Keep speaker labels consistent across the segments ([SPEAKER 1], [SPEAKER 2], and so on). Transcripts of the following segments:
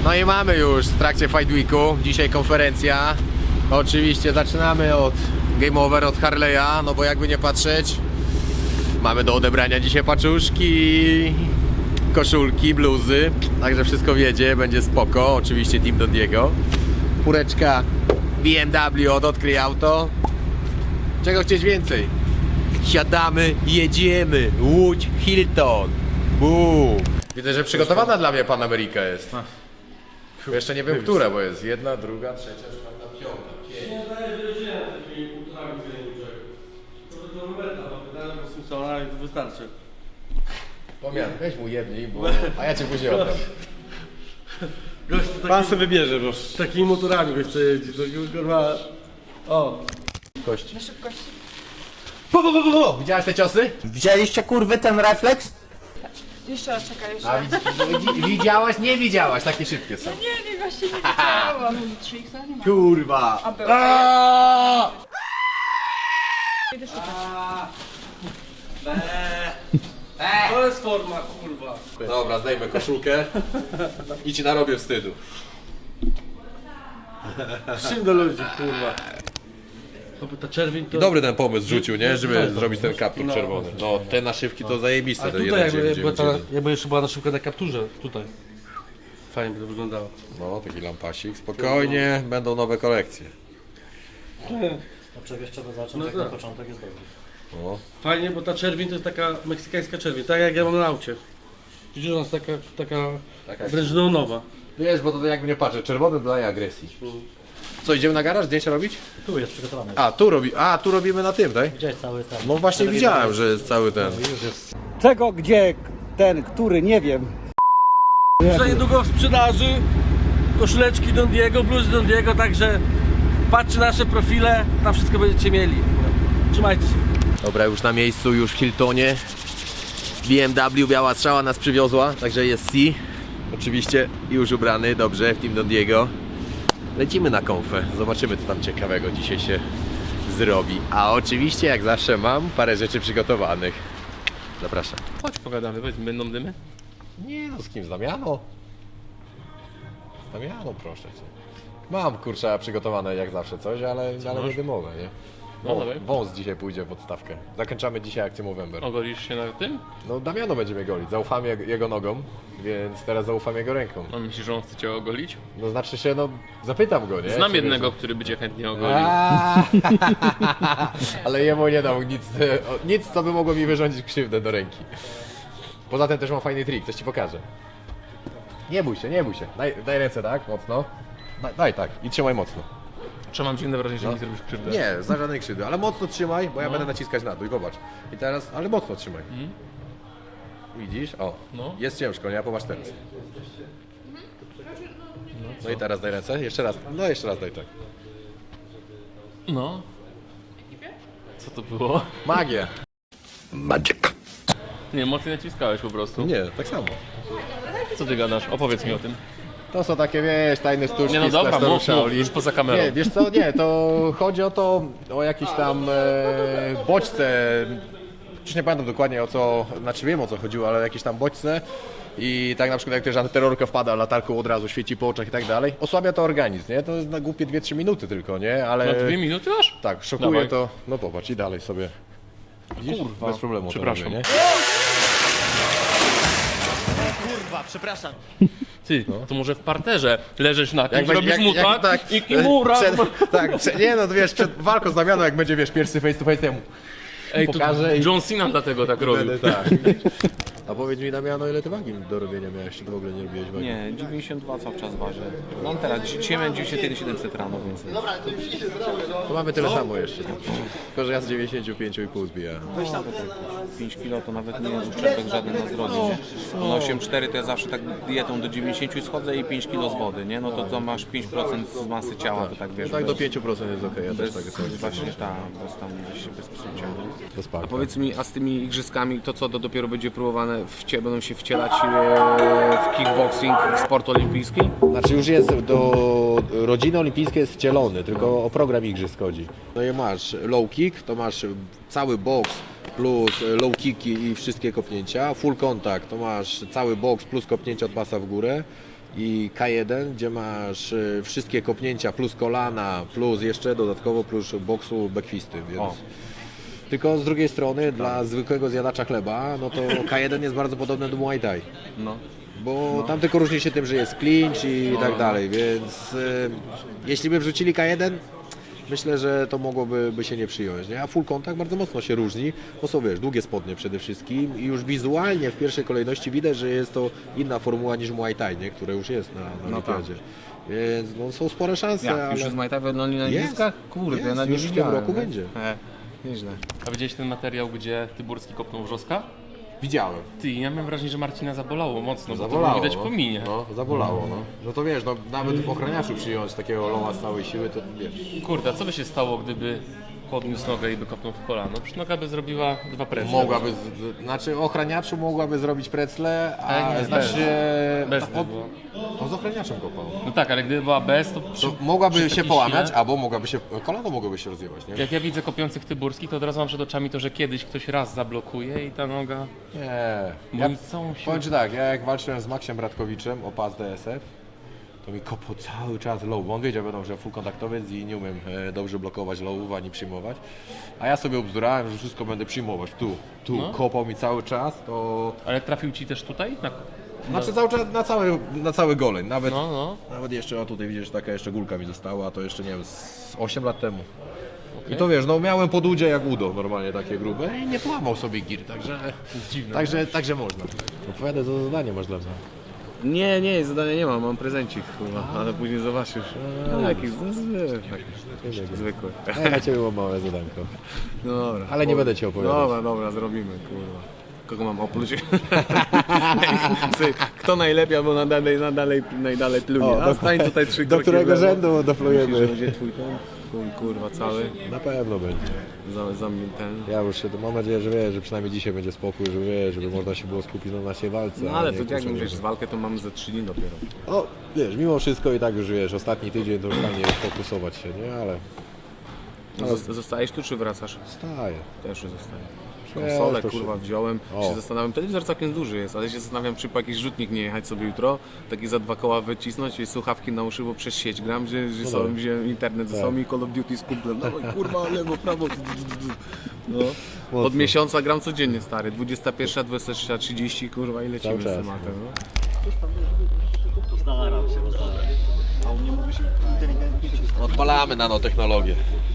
[SPEAKER 1] No i mamy już w trakcie Fight Weeku, dzisiaj konferencja. Oczywiście zaczynamy od Game Over, od Harley'a, no bo jakby nie patrzeć, mamy do odebrania dzisiaj paczuszki, koszulki, bluzy, także wszystko wiedzie, będzie spoko, oczywiście Team Dondiego. Fureczka BMW od Odkryj Auto. Czego chcieć więcej? Siadamy, jedziemy, Łódź, Hilton. Boom. Widzę, że przygotowana dla mnie Pan Ameryka jest. Jeszcze nie wiem, która, bo jest jedna, druga, trzecia, czwarta, piąta, pięć.
[SPEAKER 2] Nie daję wyraźnie takimi kulturami zajęczek. To Roberta, no pytałem o Simpsona i to wystarczy.
[SPEAKER 1] Pomian, weź mu jedniej, a ja cię później oddam.
[SPEAKER 2] Gość to
[SPEAKER 3] Pan sobie wybierze, bo...
[SPEAKER 2] takimi motorami gość chce jeździć, to kurwa... O!
[SPEAKER 1] Kości.
[SPEAKER 4] Na szybkości.
[SPEAKER 1] Widziałeś te ciosy?
[SPEAKER 5] Widzieliście kurwy ten refleks?
[SPEAKER 4] Jeszcze raz czekaj, jeszcze.
[SPEAKER 1] A widziałaś? Nie widziałaś, takie szybkie są.
[SPEAKER 4] Nie, właśnie nie widziałam. 3x nie ma.
[SPEAKER 1] Kurwa.
[SPEAKER 4] A był. Idę szukać.
[SPEAKER 2] To jest forma, kurwa.
[SPEAKER 1] Dobra, zdejmę koszulkę i ci narobię wstydu.
[SPEAKER 2] Z czym do ludzi, kurwa? Oby ta czerwień to...
[SPEAKER 1] Dobry ten pomysł rzucił, nie? Żeby
[SPEAKER 2] No,
[SPEAKER 1] zrobić ten kaptur
[SPEAKER 2] no.
[SPEAKER 1] czerwony. No, te naszywki to zajebiste.
[SPEAKER 2] A
[SPEAKER 1] te
[SPEAKER 2] tutaj jakby
[SPEAKER 1] 1,991.
[SPEAKER 2] jakby jeszcze była na szybko na kapturze, tutaj. Fajnie by to wyglądało.
[SPEAKER 1] No, taki lampasik. Spokojnie, będą nowe kolekcje.
[SPEAKER 3] A przecież trzeba zacząć,
[SPEAKER 2] No
[SPEAKER 3] jak
[SPEAKER 2] tak.
[SPEAKER 3] na początek jest dobry.
[SPEAKER 1] No.
[SPEAKER 2] Fajnie, bo ta czerwień to jest taka meksykańska czerwień, tak jak ja mam na aucie. Widzisz, ona jest taka wręcz neonowa.
[SPEAKER 1] Wiesz, bo to jakby nie patrzę, czerwony daje agresji. Co, idziemy na garaż zdjęcia robić?
[SPEAKER 3] Tu jest przygotowany.
[SPEAKER 1] Tu robimy na tym, tak?
[SPEAKER 3] Widziałeś cały ten.
[SPEAKER 1] No właśnie widziałem, że jest cały ten.
[SPEAKER 3] Już jest.
[SPEAKER 5] Czego, gdzie, ten, który, nie wiem.
[SPEAKER 2] Już za niedługo w sprzedaży koszuleczki Dondiego, bluzy Dondiego, także patrzcie nasze profile, tam wszystko będziecie mieli. Trzymajcie się.
[SPEAKER 1] Dobra, już na miejscu, już w Hiltonie. BMW, biała strzała nas przywiozła, także jest C. Oczywiście już ubrany, dobrze, w Team Dondiego. Lecimy na konfę, zobaczymy co tam ciekawego dzisiaj się zrobi. A oczywiście jak zawsze mam parę rzeczy przygotowanych. Zapraszam.
[SPEAKER 6] Chodź pogadamy, będą dymy?
[SPEAKER 1] Nie no, z kim? Z Damiano? Z Damiano, proszę cię. Mam kurczę przygotowane jak zawsze coś, ale nie dymowe, nie?
[SPEAKER 6] No, dawaj.
[SPEAKER 1] Wąs dzisiaj pójdzie w odstawkę. Zakończamy dzisiaj akcję Movember.
[SPEAKER 6] Ogolisz się na tym?
[SPEAKER 1] No Damiano będzie mnie golić, zaufam jego nogą, więc teraz zaufam jego ręką.
[SPEAKER 6] No myślisz, że on chce cię ogolić?
[SPEAKER 1] No znaczy się, no zapytam go, nie?
[SPEAKER 6] Znam
[SPEAKER 1] Czy
[SPEAKER 6] jednego,
[SPEAKER 1] wiesz,
[SPEAKER 6] który by cię chętnie ogolił.
[SPEAKER 1] ale jemu nie dał nic, co by mogło mi wyrządzić krzywdę do ręki. Poza tym też mam fajny trik, coś ci pokażę. Nie bój się, nie bój się. Daj ręce tak, mocno. Daj tak i trzymaj mocno.
[SPEAKER 6] Czy mam dziwne wrażenie, że mi zrobisz krzywdę?
[SPEAKER 1] Nie, za żadnej krzywdy, ale mocno trzymaj, bo ja będę naciskać na dół i zobacz. I teraz, ale mocno trzymaj. Widzisz? O,
[SPEAKER 6] No.
[SPEAKER 1] jest ciężko, nie? A popatrz teraz. No i teraz daj ręce, jeszcze raz, no jeszcze raz daj tak.
[SPEAKER 6] No. Co to było?
[SPEAKER 1] Magia.
[SPEAKER 6] Nie, mocniej naciskałeś po prostu.
[SPEAKER 1] Nie, tak samo.
[SPEAKER 6] Co ty gadasz? Opowiedz mi o tym.
[SPEAKER 1] To są takie, wiesz, tajne sztuczki
[SPEAKER 6] Nie no
[SPEAKER 1] z
[SPEAKER 6] dobra,
[SPEAKER 1] klasztoru
[SPEAKER 6] mów,
[SPEAKER 1] Shaolin.
[SPEAKER 6] już poza kamerą.
[SPEAKER 1] Nie, wiesz co, nie, to chodzi o to, o jakieś tam bodźce, już nie pamiętam dokładnie o co, znaczy wiem o co chodziło, ale jakieś tam bodźce i tak na przykład jak też antyterrorka wpada, latarką od razu świeci po oczach i tak dalej, osłabia to organizm, nie, to jest na głupie 2-3 minuty tylko, nie, ale...
[SPEAKER 6] Na 2 minuty aż?
[SPEAKER 1] Tak, szokuje
[SPEAKER 6] Dawaj.
[SPEAKER 1] to, no popatrz i dalej sobie. Widzisz?
[SPEAKER 6] Kurwa,
[SPEAKER 1] Bez problemu to
[SPEAKER 6] przepraszam.
[SPEAKER 1] robię, nie?
[SPEAKER 6] Ty, to może w parterze leżysz na tym,
[SPEAKER 1] Jak
[SPEAKER 6] robisz mu tak i kimura.
[SPEAKER 1] nie no, to wiesz, przed walką z Damianą, jak będzie, wiesz, pierwszy face to face temu.
[SPEAKER 6] Ej, to
[SPEAKER 1] pokażę i-
[SPEAKER 6] John Cena dlatego tak robił.
[SPEAKER 1] Tak. A powiedz mi, Damiano, ile ty wagi do robienia miałeś, czy to w ogóle nie robiłeś wagi?
[SPEAKER 7] Nie, 92 cały czas waży. No teraz, dzisiaj miałem 91,700 rano, więc...
[SPEAKER 1] To mamy tyle samo jeszcze. Tylko, że ja z 95,5 zbijałem.
[SPEAKER 7] 5 kg to nawet nie jest uszczerbek żaden na zdrowiu, nie? No 8,4 to ja zawsze tak dietą do 90 schodzę i 5 kg z wody, nie? No to masz 5% z masy ciała, to tak wiesz.
[SPEAKER 1] Tak do
[SPEAKER 7] bez-
[SPEAKER 1] 5% jest okej, ja też tak
[SPEAKER 7] bez,
[SPEAKER 1] sobie
[SPEAKER 7] właśnie tak, bez tam gdzieś bez psucia.
[SPEAKER 1] to sparka.
[SPEAKER 7] Powiedz mi, a z tymi igrzyskami to co, to dopiero będzie próbowane, będą się wcielać w kickboxing, w sport olimpijski?
[SPEAKER 1] Znaczy już jest rodziny olimpijskiej jest wcielony, tylko o program igrzysk chodzi. No i masz low kick, to masz cały boks plus low kicki i wszystkie kopnięcia. Full contact to masz cały boks plus kopnięcia od pasa w górę. i K1, gdzie masz wszystkie kopnięcia plus kolana, plus jeszcze dodatkowo plus boksu backfisty, więc... Tylko z drugiej strony dla zwykłego zjadacza chleba, no to K1 jest bardzo podobny do Muay Thai.
[SPEAKER 7] No.
[SPEAKER 1] Bo tam tylko różni się tym, że jest clinch i tak dalej, więc jeśli by wrzucili K1, myślę, że to mogłoby się nie przyjąć, nie? A full contact bardzo mocno się różni, bo są, wiesz, długie spodnie przede wszystkim i już wizualnie w pierwszej kolejności widać, że jest to inna formuła niż Muay Thai, nie? Które już jest na Olimpiadzie. Więc no, są spore szanse,
[SPEAKER 7] Jak?
[SPEAKER 1] ale...
[SPEAKER 7] Już jest Muay Thai na
[SPEAKER 1] Jest.
[SPEAKER 7] igrzyskach? Kurde,
[SPEAKER 1] Jest,
[SPEAKER 7] ja na
[SPEAKER 1] już w tym roku będzie.
[SPEAKER 7] Nieźle.
[SPEAKER 6] A widziałeś ten materiał, gdzie Tyburski kopnął Wrzoska?
[SPEAKER 1] Widziałem.
[SPEAKER 6] Ty, ja miałem wrażenie, że Marcina zabolało mocno, bo to
[SPEAKER 1] Zabolało,
[SPEAKER 6] było widać
[SPEAKER 1] no.
[SPEAKER 6] po minie.
[SPEAKER 1] No, zabolało, no. No to wiesz, no, nawet w ochraniaczu przyjąć takiego lowa z całej siły, to wiesz...
[SPEAKER 6] Kurde, a co by się stało, gdyby podniósł nogę i by kopnął w kolano? Przecież noga by zrobiła 2 precle.
[SPEAKER 1] Mogłaby, znaczy ochraniaczu mogłaby zrobić precle,
[SPEAKER 6] Ale
[SPEAKER 1] a
[SPEAKER 6] nie,
[SPEAKER 1] znaczy...
[SPEAKER 6] Bez by było.
[SPEAKER 1] On z ochraniaczem kopał.
[SPEAKER 6] No tak, ale gdyby była bez, to
[SPEAKER 1] To mogłaby
[SPEAKER 6] przy
[SPEAKER 1] się
[SPEAKER 6] takiej
[SPEAKER 1] połamać,
[SPEAKER 6] sile-
[SPEAKER 1] albo mogłaby się, kolano mogłoby się rozjebać, nie?
[SPEAKER 6] Jak ja widzę kopiących Tyburskich, to od razu mam przed oczami to, że kiedyś ktoś raz zablokuje i ta noga...
[SPEAKER 1] Nie.
[SPEAKER 6] Bo
[SPEAKER 1] Ja,
[SPEAKER 6] oni całą siłę...
[SPEAKER 1] powiem ci tak, ja jak walczyłem z Maxiem Bratkowiczem o pas DSF, to mi kopał cały czas low, bo on wiedział, wiadomo, że full kontaktowiec i nie umiem dobrze blokować lowów ani przyjmować. A ja sobie obzdurałem, że wszystko będę przyjmować tu.
[SPEAKER 6] No.
[SPEAKER 1] Kopał mi cały czas, to...
[SPEAKER 6] Ale trafił ci też tutaj?
[SPEAKER 1] Znaczy cały czas na cały goleń, nawet...
[SPEAKER 6] No.
[SPEAKER 1] Nawet jeszcze, o tutaj widzisz, taka jeszcze gulka mi została, a to jeszcze nie wiem, z 8 lat temu. I to wiesz, no miałem pod udzie jak udo, normalnie takie grube i nie połamał sobie gir, także...
[SPEAKER 6] Dziwne.
[SPEAKER 1] Także można. Opowiadaj, co za zadanie masz dla mnie.
[SPEAKER 7] Nie, zadania nie mam prezentcik chyba, ale później zobaczysz. Jakiś zwykły.
[SPEAKER 1] A ja na ciebie mam małe zadanko.
[SPEAKER 7] No dobra.
[SPEAKER 1] Ale nie będę ci opowiadał.
[SPEAKER 7] Dobra, zrobimy, kurwa. Kogo mam opluć? Kto najlepiej albo najdalej plunie. A stań tutaj 3
[SPEAKER 1] Do
[SPEAKER 7] kroki
[SPEAKER 1] którego
[SPEAKER 7] w lewo.
[SPEAKER 1] rzędu
[SPEAKER 7] Myślisz, że
[SPEAKER 1] doplujemy?
[SPEAKER 7] będzie twój ten? Twój, kurwa cały.
[SPEAKER 1] Na pewno będzie.
[SPEAKER 7] Za mnie ten.
[SPEAKER 1] Ja już się, mam nadzieję, że wiesz, że przynajmniej dzisiaj będzie spokój, że wiesz, żeby można się było skupić na naszej walce.
[SPEAKER 7] No
[SPEAKER 1] a
[SPEAKER 7] ale
[SPEAKER 1] nie
[SPEAKER 7] to jak
[SPEAKER 1] kurczę,
[SPEAKER 7] mówisz,
[SPEAKER 1] żeby-
[SPEAKER 7] z walkę to mamy za 3 dni dopiero.
[SPEAKER 1] No wiesz, mimo wszystko i tak już wiesz, ostatni tydzień to już fajnie fokusować się, nie? Ale
[SPEAKER 7] Zostajesz tu czy wracasz?
[SPEAKER 1] staję.
[SPEAKER 7] Też zostaję.
[SPEAKER 1] Wiesz,
[SPEAKER 7] Konsolę
[SPEAKER 1] to
[SPEAKER 7] kurwa
[SPEAKER 1] się-
[SPEAKER 7] wziąłem,
[SPEAKER 1] O.
[SPEAKER 7] się zastanawiam, telewizor całkiem duży jest, ale się zastanawiam, czy po jakiś rzutnik nie jechać sobie jutro, taki za 2 koła wycisnąć i słuchawki na uszy, bo przez sieć gram, że sobie wziąłem internet ze sobą i Call of Duty z kumplem, dawaj kurwa, lewo, prawo, no. Od miesiąca gram codziennie stary, 21, 23:30 kurwa i lecimy
[SPEAKER 1] Cały
[SPEAKER 7] z
[SPEAKER 1] czas,
[SPEAKER 7] tematem. No.
[SPEAKER 1] Odpalamy nanotechnologię.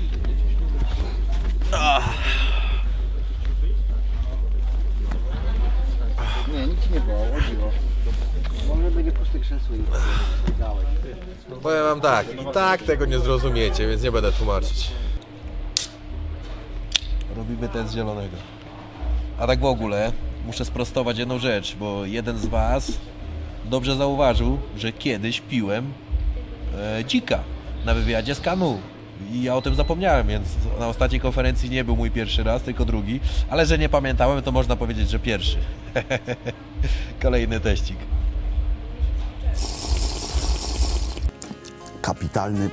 [SPEAKER 5] Nie, nic nie było, chodziło. Może będzie puste krzesło i dałeś.
[SPEAKER 1] Powiem wam tak, i tak tego nie zrozumiecie, więc nie będę tłumaczyć. Robimy test zielonego. A tak w ogóle muszę sprostować jedną rzecz, bo jeden z was dobrze zauważył, że kiedyś piłem dzika na wywiadzie z Kanu. I ja o tym zapomniałem, więc na ostatniej konferencji nie był mój pierwszy raz, tylko drugi. Ale że nie pamiętałem, to można powiedzieć, że pierwszy. Kolejny teścik.
[SPEAKER 8] Kapitalny.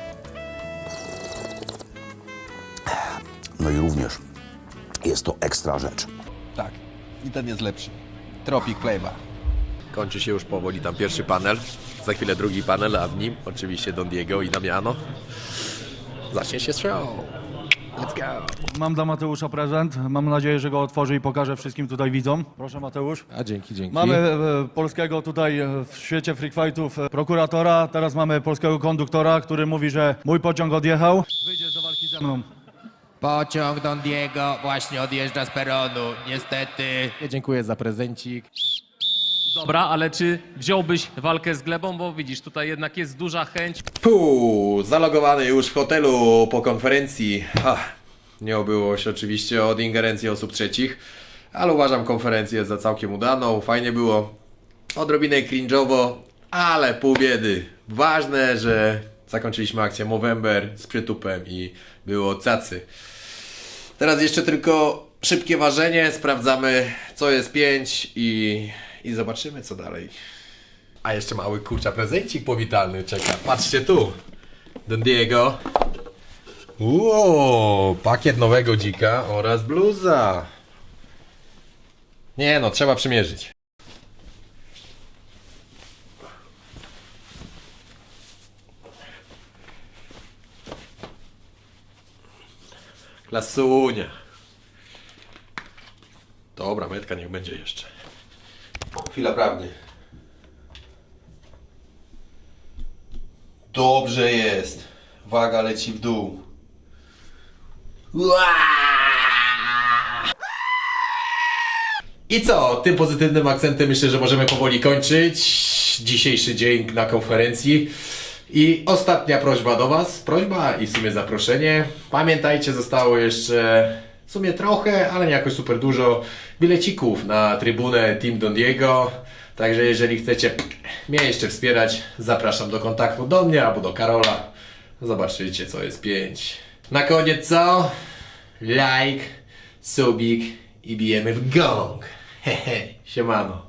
[SPEAKER 8] No i również jest to ekstra rzecz.
[SPEAKER 1] Tak, i ten jest lepszy. Tropic Flavor. Kończy się już powoli tam pierwszy panel. Za chwilę drugi panel, a w nim oczywiście Don Diego i Damiano. Zacznie się show. Let's go.
[SPEAKER 9] Mam dla Mateusza prezent. Mam nadzieję, że go otworzy i pokaże wszystkim tutaj widzom. Proszę Mateusz.
[SPEAKER 1] A dzięki.
[SPEAKER 9] Mamy polskiego tutaj w świecie freak fightów prokuratora. Teraz mamy polskiego konduktora, który mówi, że mój pociąg odjechał. Wyjdziesz do walki ze mną.
[SPEAKER 1] Pociąg Don Diego właśnie odjeżdża z peronu, niestety. Dziękuję za prezencik.
[SPEAKER 6] Dobra, ale czy wziąłbyś walkę z Glebą? Bo widzisz, tutaj jednak jest duża chęć.
[SPEAKER 1] Zalogowany już w hotelu po konferencji. Nie obyło się oczywiście od ingerencji osób trzecich, ale uważam konferencję za całkiem udaną. Fajnie było, odrobinę cringe'owo, ale pół biedy. Ważne, że zakończyliśmy akcję Movember z przytupem i było cacy. Teraz jeszcze tylko szybkie ważenie, sprawdzamy co jest 5 i zobaczymy co dalej. A jeszcze mały kurcza prezencik powitalny czeka. Patrzcie tu. Don Diego. Pakiet nowego dzika oraz bluza. Nie no, trzeba przymierzyć. Klasunia. Dobra, metka niech będzie jeszcze. Chwila prawdy. Dobrze jest. Waga leci w dół. I co? Tym pozytywnym akcentem myślę, że możemy powoli kończyć dzisiejszy dzień na konferencji. I ostatnia prośba do Was. Prośba i w sumie zaproszenie. Pamiętajcie, zostało jeszcze w sumie trochę, ale nie jakoś super dużo bilecików na trybunę Team Don Diego. Także jeżeli chcecie mnie jeszcze wspierać, zapraszam do kontaktu do mnie albo do Karola. Zobaczycie, co jest 5. Na koniec co? Like, subik i bijemy w gong. Hehe, siemano.